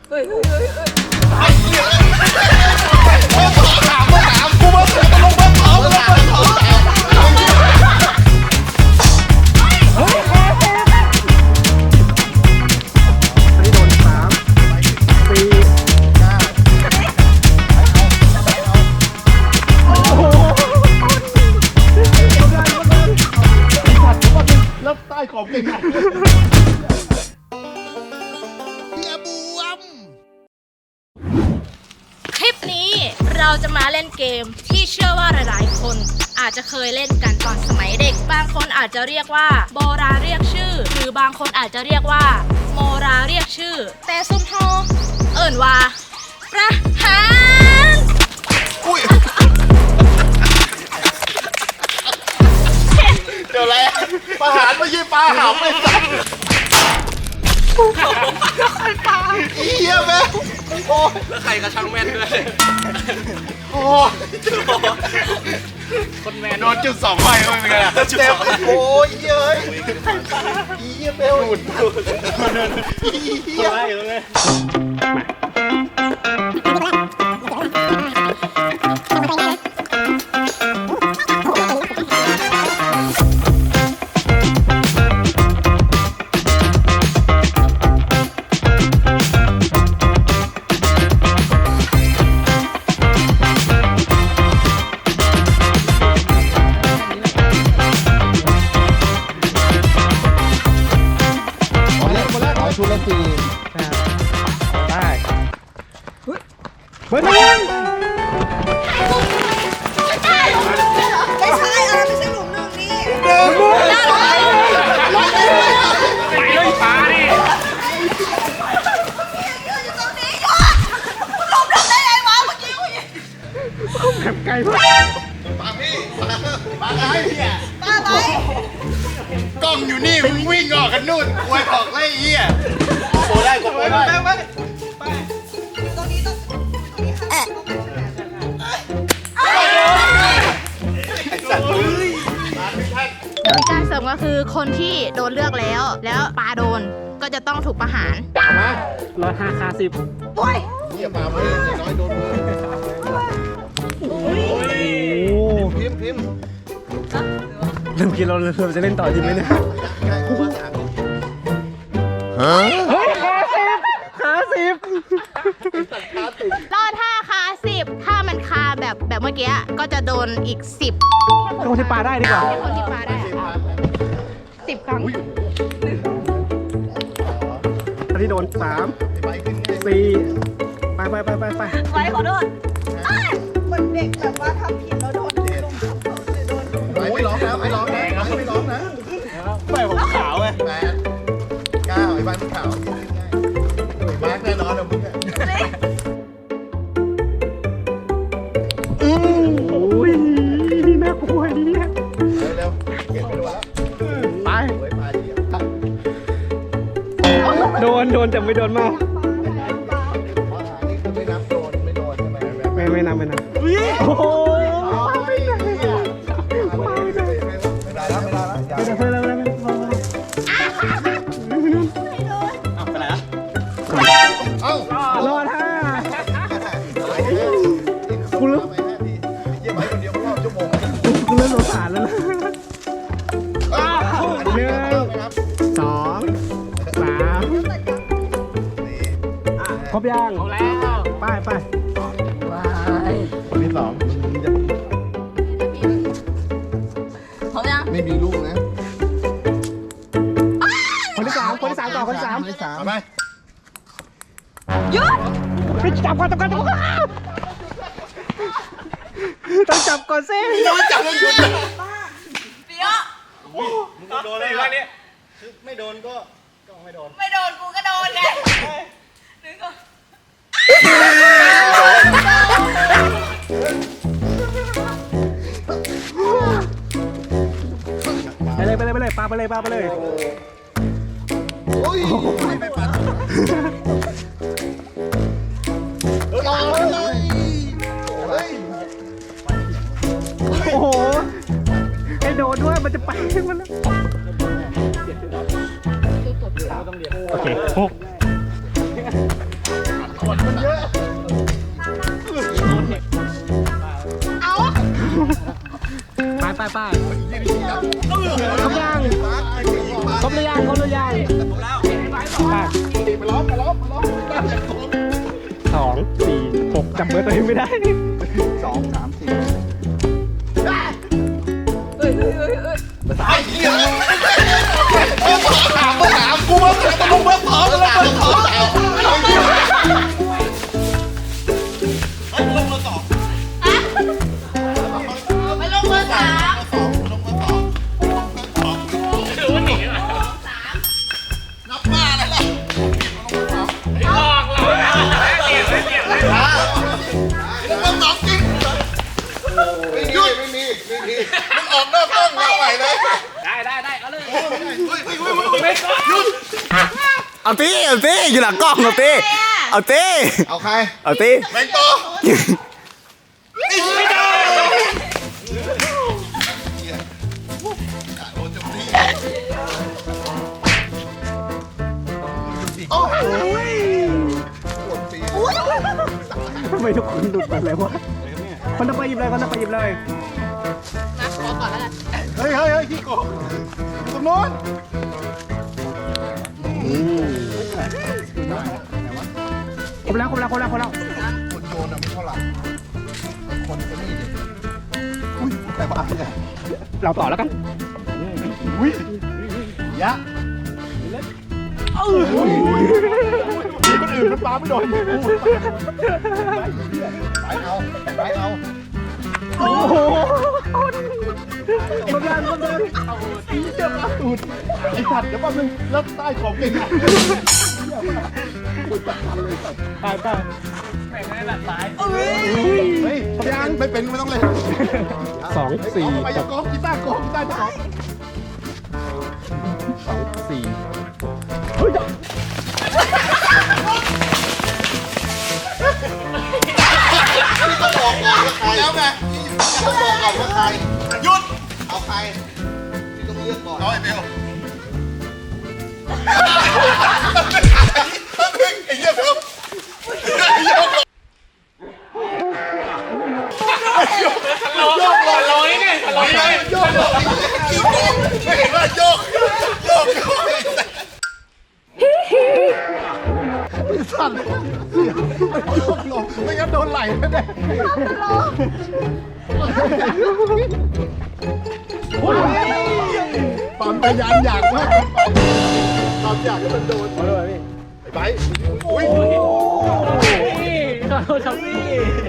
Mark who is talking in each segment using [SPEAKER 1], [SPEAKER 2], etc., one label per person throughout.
[SPEAKER 1] เฮ้ย
[SPEAKER 2] ถามกูมาตลงมาถาม
[SPEAKER 3] อันนี้โดน3 4
[SPEAKER 2] แล้วใต้ขอบเก่ง
[SPEAKER 1] คลิปนี้เราจะมาเล่นเกมที่เชื่อว่าหลายๆคนอาจจะเคยเล่นกันตอนสมัยเด็กบางคนอาจจะเรียกว่าโบราเรียกชื่อหรือบางคนอาจจะเรียกว่าโมราเรียกชื่อแต่ซุ่มโฮเอิ่นว่าประหาร
[SPEAKER 2] เดี๋ยวแล้วประหารไม่ใช่ปลาหำไม่ใช่เหี้ยแม่โอ้แล้วใครกระชังแม่นด้วยโอ้คนแม่โดนจุด2 ใบเข้าไปเป็นไงล่ะเจ็บโอ้ยเย้ยเหี้ยเบลหลุดเหี้ยอะไรอยู่ตรงนี้ชุดละ4
[SPEAKER 3] ได้เบอร์ 1
[SPEAKER 4] ไม่ใช่ไม่ใช่หลุม1นี่
[SPEAKER 3] ไปเลยปลาดิ
[SPEAKER 4] อยู่ตรงนี้หยุดหลบได้ไงวะเมื่อกี้
[SPEAKER 3] แบบไกลมาก
[SPEAKER 2] ปาพี่ปาอะไรเนี่ย
[SPEAKER 4] ป้าไป
[SPEAKER 2] กล้องอยู่นี่มึงวิ่งออกกันนู่นควยออกไล่เหี้ยโกได้กดได้ไป
[SPEAKER 4] ตรงนี้ต้องตรงนี้ค่ะ
[SPEAKER 2] ไอ้สัตว์
[SPEAKER 1] การเสริมก็คือคนที่โดนเลือกแล้วปาโดนก็จะต้องถูกประหาร
[SPEAKER 2] เอามา
[SPEAKER 3] 105 คา 10
[SPEAKER 4] โอ้ย
[SPEAKER 2] เหี้ยปามาเลยน้อยโดนมือพิมพ์
[SPEAKER 3] เริ่มคิดเราจะเล่นต่อจริงไหมเนี่ยเฮ้ยคา 10
[SPEAKER 1] รอด5 คา 10ถ้ามันคาแบบเมื่อกี้ก็จะโดนอีก 10
[SPEAKER 3] คนที่ปลาได้ดีกว่า
[SPEAKER 1] คนที่ปาได้10 ครั้ง
[SPEAKER 3] อันนี้โดน3 4ไป
[SPEAKER 4] ไว้ขอโทษเหมือนเด็กแบบว่าทำผิดแล้วโดนลงโทษเลยโดน
[SPEAKER 2] ไม่ร้องนะไม่ร้องนะไม่ร้องนะ
[SPEAKER 3] ไม่ผมขาวไง
[SPEAKER 2] 8 9ไอ้บ้านมึงขาวมาร์กแน่นอนนะมึง
[SPEAKER 3] โอ้ยน่ากลัวดีเนี่ย
[SPEAKER 2] เร็วเก็บไปดูแล้ว
[SPEAKER 3] ไป
[SPEAKER 2] ไว้ปลาเดียว
[SPEAKER 3] โดนแต่ไม่โดนมาก
[SPEAKER 2] นี่คือไม่นับโดนไม่โดนใช่ไหม
[SPEAKER 3] ไม่นำโอ้โห
[SPEAKER 2] ไม่ได้แล้วไม่ได้แล้วอย่า
[SPEAKER 3] ไปแล้วไปไหนอ่ะ
[SPEAKER 2] เอ้าร
[SPEAKER 3] อด5
[SPEAKER 2] กูรู้ไป5 ทีเยี่ยมไปคนเดียวรอบชั่วโมง
[SPEAKER 3] กูเริ่มสงสารแล้วนะ1 2 3ครบยังแล้วไป
[SPEAKER 2] คนที่2จะ
[SPEAKER 4] พร้อมยัง
[SPEAKER 2] ไม่มีลูกนะ
[SPEAKER 3] คนที่ 3ต่อคนที่ 3
[SPEAKER 2] เอาไหม
[SPEAKER 4] หยุด
[SPEAKER 3] ไปจับก่อนต้องจับก่อนสิ
[SPEAKER 2] จับแล้วหยุด
[SPEAKER 4] เดี๋ยว
[SPEAKER 3] มึงโดนเลยวันนี้ไม่โดนก็ไม่โดน
[SPEAKER 4] ไม่โดนกูก็โดนไงนึกก่อน
[SPEAKER 3] ไปเลยปาไปเลย
[SPEAKER 2] โอ้ยไม่ปัดรอเลยเฮ้ย
[SPEAKER 3] โอ้โหไอ้โดนด้วยมันจะไปมันแล้วโอเค
[SPEAKER 2] ขนมันเยอะ
[SPEAKER 4] เอา
[SPEAKER 3] ไปครบยังครบหรือยังครบหรือยังไป2 4 6จับเบอร์ตัวเองไม่ได้
[SPEAKER 2] 2 3 4
[SPEAKER 4] เอ้ย
[SPEAKER 2] ไอ้เหี้ยถามกูว่าตกลงเบอร์สองตกลงเบอร์สอง
[SPEAKER 1] ไปลงเบอร์ 3
[SPEAKER 2] นับบ้าอะไรล่ะไม่มีมันออกนอกกล้องมาใหม่เลยได้เอาเลยหยุด
[SPEAKER 5] เอาตีอยู่หลังกล้องเอาตี
[SPEAKER 2] เอาใคร
[SPEAKER 5] เอาตี
[SPEAKER 2] แมงโตไม่ได้โอ้ย
[SPEAKER 3] ทำไมทุกคนหลุดหมดเลยวะคนจะไปหยิบเลยคนจะไปหยิบเลย
[SPEAKER 1] นะขอก่อนแล้วกัน
[SPEAKER 2] เฮ้ยขี้โกงตรงโน้น
[SPEAKER 3] ครบแล้วครบแล้วครบแล้วครบแล้ว
[SPEAKER 2] คนโยนน่ะไม่เท่าไหร่คนก็นี่ดิอุ้ยแต่บ้าเนี่ย
[SPEAKER 3] เราต่อแล้วกัน
[SPEAKER 2] อุ้ยยะมีคนอื่นมันปาไม่โดนไปเอา
[SPEAKER 3] โอ้โหครบแล้วครบแล้ว
[SPEAKER 2] เจ็บตูดไอ้สัตว์เดี๋ยวแป๊บนึงแล้วใต้ของเก่งอ่ะ
[SPEAKER 3] ไป
[SPEAKER 2] เฮ้ยยังไม่เป็นไม่ต้องเล่น
[SPEAKER 3] 2 4
[SPEAKER 2] ไปยังกองกีตาร์กองกีตาร์จะกอง
[SPEAKER 3] 2 4เฮ้ย
[SPEAKER 2] ต้องบอกก่อนว่าใครแล้วไงต้องบอกก่อนว่าใครหยุดเอาใครที่ต้องเลือกก่อนเอาไอ้เบลไอ้เหี้ยเบลโยกลอยเนี่ยลอยโยกไม่เห็นว่าโยกสั่นโยกลงไม่งั้นโดนไหลแน่ปั๊มพยานอยากมากปั๊มอยากให้มันโดนไอ้ไบอุ้ย
[SPEAKER 3] ขอโทษครับพี่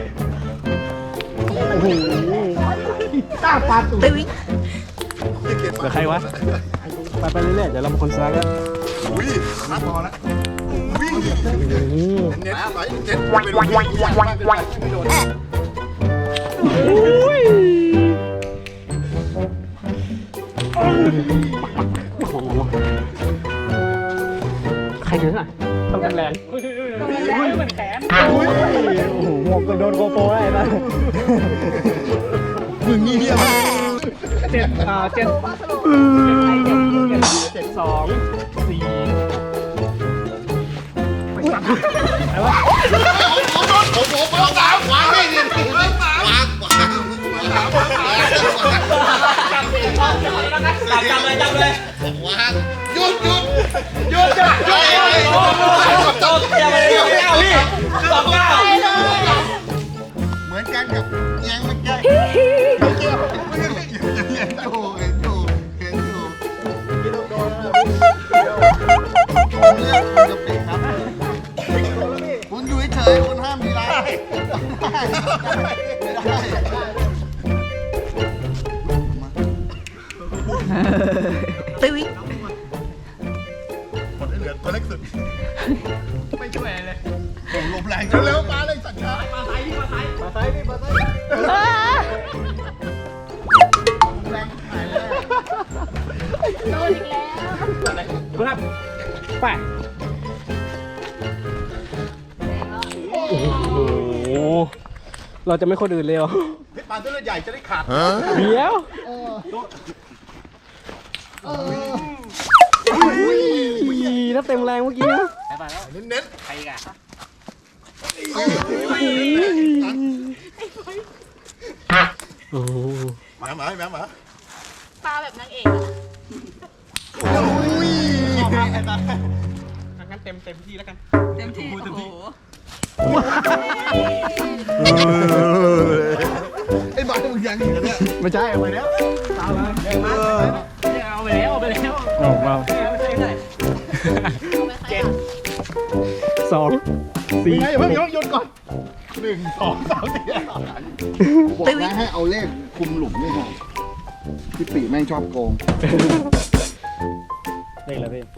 [SPEAKER 2] ตาปาตู
[SPEAKER 3] เดี๋ยวใครวะ ไปเรื่อยๆเดี๋ยวเราเป็นคนซ้ายกัน
[SPEAKER 2] อุ้ยนัดพอแล้ววิ่งเน็ตไปเน็ตเป็นวิ่งอยากมากเลยไม่โดน
[SPEAKER 3] อุ้ยใครเยอะอ่ะต้องแรงเหมือนแขนโอ้โหหมวกก็โดนโกโปรได้นะ
[SPEAKER 2] มึงนี่เหี้ยมาก
[SPEAKER 3] 7 2 4อะไรวะ
[SPEAKER 2] ผมเอาสามขวางให้ดิวางจับเลยวางหยุดจ้ะเหมือนกันกับแยงมันแย่เห็นอยู่จะปิดครับคุณอยู่เฉยคุณห้ามมีไรไม่ได้คนเหลือตัวเล็กสุดไม่ช่วยเลยลมแรงเร็วมาเลยสัญญามาซ้ายแรงหายแล้ว
[SPEAKER 1] โดนอีกแล้ว
[SPEAKER 3] ครับไปโอ้โหเราจะไม่คนอื่นเลยเหรอ
[SPEAKER 2] พี่ปานตัวใหญ่จะได้ขาด
[SPEAKER 3] เดี๋ยวนับเต็มแรงเมื่อกี้นะ
[SPEAKER 2] เน้น
[SPEAKER 3] โอ้โห
[SPEAKER 2] หมา
[SPEAKER 1] ปลาแบบนางเอกอะ
[SPEAKER 3] งั้นเต็มที่แล้วกัน
[SPEAKER 4] เต็มที่โอ้โห
[SPEAKER 2] ไอ้บ้ามึงยังอีกเนี่ย
[SPEAKER 3] ไม่ใช่เอาไปแล้วเอาไปแล้วเอาไปแล้วเอามา
[SPEAKER 1] เอาไปใครอะ
[SPEAKER 3] 2 4
[SPEAKER 2] ไงเพิ่งโยนก่อน1 2 3 4บอกนะให้เอาเลขคุมหลุมนี่ฮะพี่ปีแม่งชอบโกง
[SPEAKER 3] เลขอะไรพี่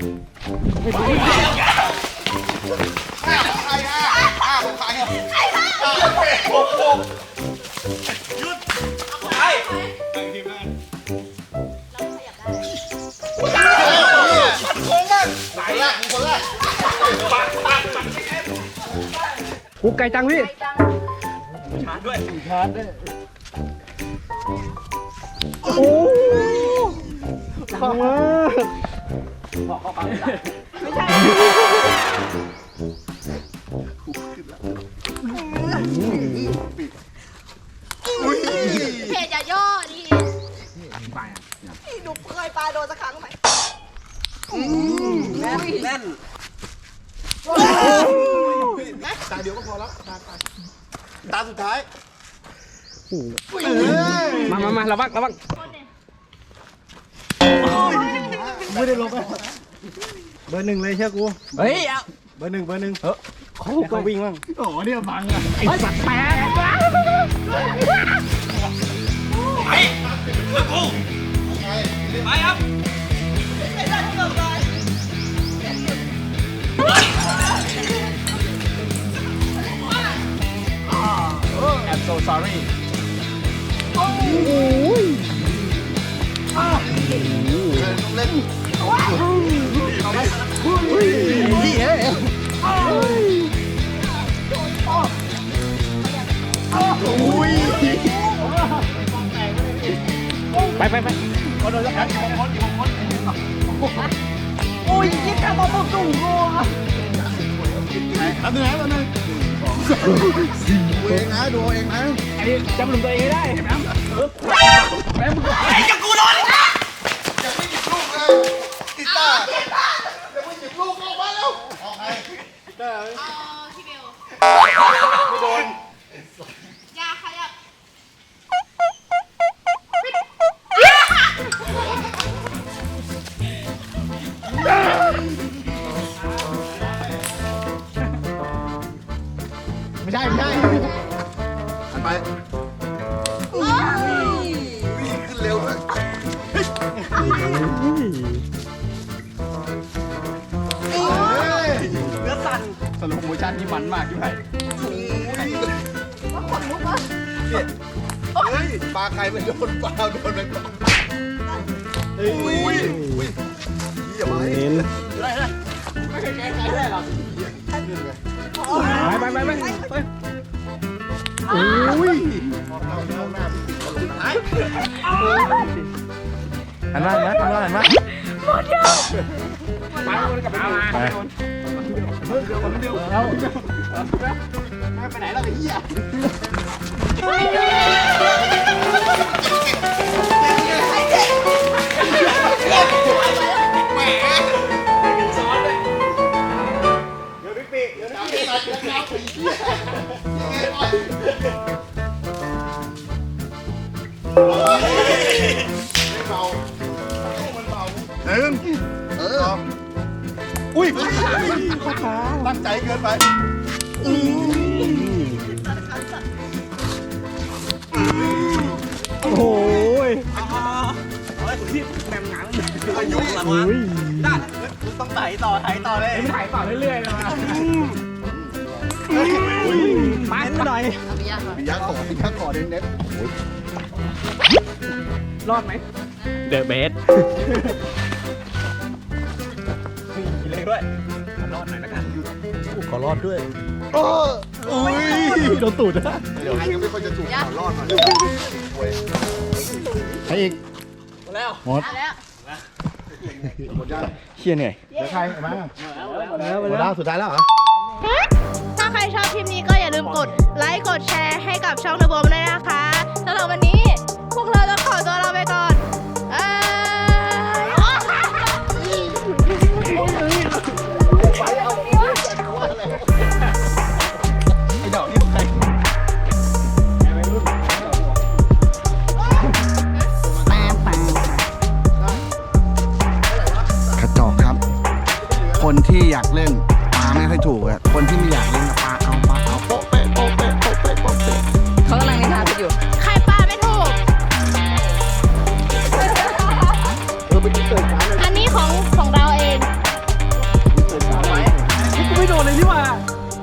[SPEAKER 3] กูไก่จังพี่ชาร์จด้วยโอ้ฟังมาก
[SPEAKER 1] เพจอย่าย่อดิ
[SPEAKER 4] พี่หนูเคยปลาโดนสักครั้งไหม
[SPEAKER 2] ตาเดียวก็พอแล้วตาสุดท้าย
[SPEAKER 3] มาระวังไม่ได้ลงไปเบอร์ 1เลยเชื่อกูเฮ้ยเบอร์ 1เขาก็วิ่งมั่งโอ้เนี่ยบังอ่ะไอ้สัตว์แปลกI'm so sorry
[SPEAKER 2] เล่น
[SPEAKER 3] ไป
[SPEAKER 4] โอ้ยยิ่งทำมาปุ๊บตุ้งกูอะ
[SPEAKER 2] อันนึงดูเองนะดูเองนะ
[SPEAKER 3] อันนี้จำหลุมตัวเองให้ได้เห็นไหม
[SPEAKER 2] ยังไม่หยิบลูกเลยกีตาร์ยังไม่หยิบลูกออกมาแล้วออกไง
[SPEAKER 1] พี่เบล
[SPEAKER 2] ไม่โดน
[SPEAKER 1] อย่าขยับ
[SPEAKER 2] ไม่ใช่อันไปวิ่งขึ้นเร็วด้วยเนื้อสั่นสโลโมชั่นที่มันมากที่ไหนเฮ้ยปลาใครไม่โดนปลาโดนไปก่อนอุ้ยอย่ามาให้
[SPEAKER 3] เห็น
[SPEAKER 2] ไม่ใช่ใครได้หรอก
[SPEAKER 3] ไป
[SPEAKER 2] อุ้ย
[SPEAKER 5] หันมาหันมาหันมา
[SPEAKER 3] ไปคนกลับมา
[SPEAKER 2] ไปไหนแล้วไอ้เหี้ยเดี๋ยวพี่ปีเดี๋ยวนะเดี๋ยวนะอุ้ยตั้งใจเกินไป
[SPEAKER 3] โอ้ย
[SPEAKER 2] อายุ
[SPEAKER 3] อุ้ย
[SPEAKER 2] ต้องไถต่อเลย
[SPEAKER 3] ไม่ถ่ายต่อเรื่อยๆเลยมาหน่อย
[SPEAKER 2] ปิยะก่อนเน้น
[SPEAKER 3] รอดไหมเดอะเบสเลยด้วยรอดหน่อยนะกันขอรอดด้วยอุ้ยโดนตูดนะ
[SPEAKER 2] เดี๋ยวยังไม่ค่อยจะถูกข่าวรอดมา
[SPEAKER 3] ใครอีก
[SPEAKER 1] เอาแล้ว
[SPEAKER 2] หมดยัง
[SPEAKER 5] เชี่ยเหนื่อย
[SPEAKER 2] เดี๋ยวใครมา
[SPEAKER 3] แล้ว
[SPEAKER 2] หมดแล้วสุดท้ายแล้วเหรอ
[SPEAKER 1] ถ้าใครชอบคลิปนี้ก็อย่าลืมค์กดแชร์ให้กับช่องเดอะโบมด้วยนะคะสำหรับวันนี้พวกเราต้องขอตัวลาไปก่อน
[SPEAKER 2] ไอ้ดอกนี่ใคร
[SPEAKER 3] กระจอกครับ คนที่อยากเล่นปาไม่ค่อยถูกอะคนที่ไม่อยากเล่นปาเอาโป๊ะเป๊ะโป๊ะเป๊ะโป๊ะเป๊ะโป๊ะเป๊ะ
[SPEAKER 4] เขากำลังนินทากันอยู่
[SPEAKER 1] ใครปลาไม่ถูก อันนี้ของเราเอง
[SPEAKER 3] กูไม่โดนเลยนี่หว่า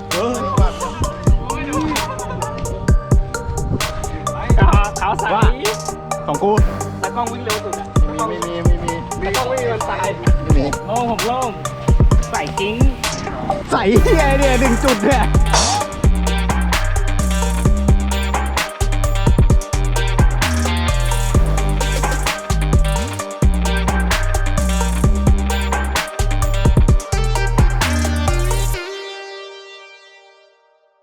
[SPEAKER 3] ขาวใสของกูตากล้องวิ่งเร็วสุดอะไม่มีตากล้องวิ่งมันตายโล่งผมโล่งใส่กิ้งใส่เฮียเนี่ย1 จุดเนี่ย